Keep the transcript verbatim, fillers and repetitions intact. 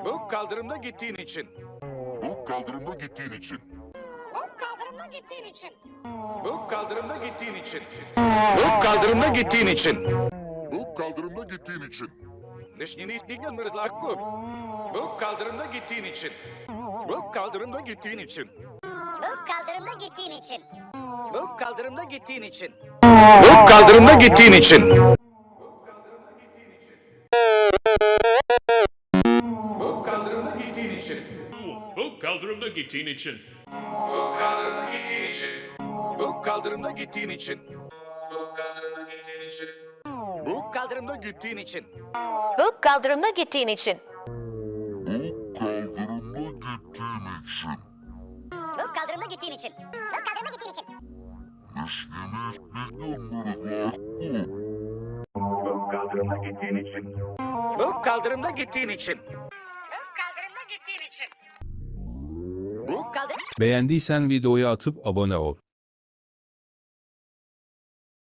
Bu kaldırımda gittiğin için. Bu kaldırımda gittiğin için. Bu kaldırımda gittiğin için. Bu kaldırımda gittiğin için. Bu kaldırımda gittiğin için. Bu kaldırımda gittiğin için. Nişni nişni mırtlak bu. Bu kaldırımda gittiğin için. Bu kaldırımda gittiğin için. Bu kaldırımda gittiğin için. Bu kaldırımda gittiğin için. Bu kaldırımda gittiğin için. Bu kaldırımda gittiğin için. Bu kaldırımda gittiğin için. Bu kaldırımda gittiğin için. Bu kaldırımda gittiğin için. Bu kaldırımda gittiğin için. Bu kaldırımda gittiğin için. Bu kaldırımda gittiğin için. Bu kaldırımda gittiğin için. Bu kaldırımda gittiğin için. Bu kaldırımda gittiğin için. Bu kaldırımda gittiğin için. Bu kaldırımda gittiğin için. Bu kaldırım Beğendiysen videoyu atıp abone ol.